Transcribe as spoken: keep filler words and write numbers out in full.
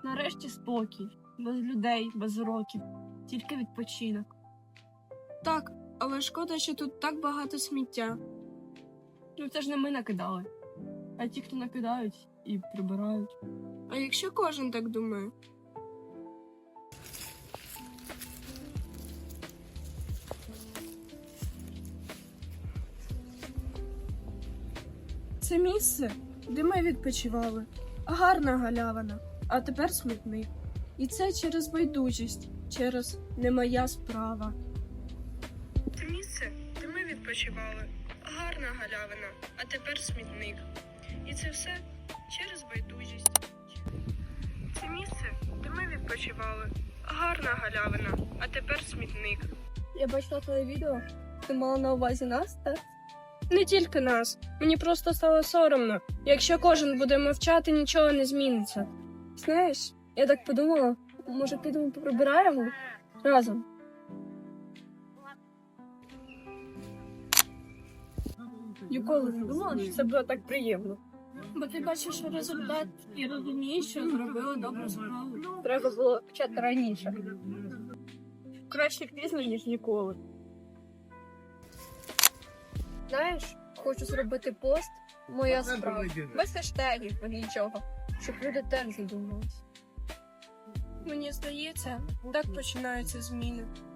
Нарешті спокій, без людей, без уроків, тільки відпочинок. Так, але шкода, що тут так багато сміття. Ну це ж не ми накидали, а ті, хто накидають і прибирають. А якщо кожен так думає? Це місце, де ми відпочивали. Гарна галявина, а тепер смітник. І це через байдужість, через не моя справа. Це місце, де ми відпочивали. Гарна галявина, а тепер смітник. І це все через байдужість. Це місце, де ми відпочивали. Гарна галявина, а тепер смітник. Я бачила твоє відео, ти мала на увазі нас, так? Не тільки нас. Мені просто стало соромно. Якщо кожен буде мовчати, нічого не зміниться. Знаєш, я так подумала, може підемо прибираємо разом? Ніколи не думала, що це було так приємно. Бо ти бачиш результат і розумієш, що зробила добру справу. Треба було почати раніше. Краще пізно, ніж ніколи. Знаєш, хочу зробити пост «Моя справа». Без хештегів, без нічого. Щоб люди теж задумались. Мені здається, так починаються зміни.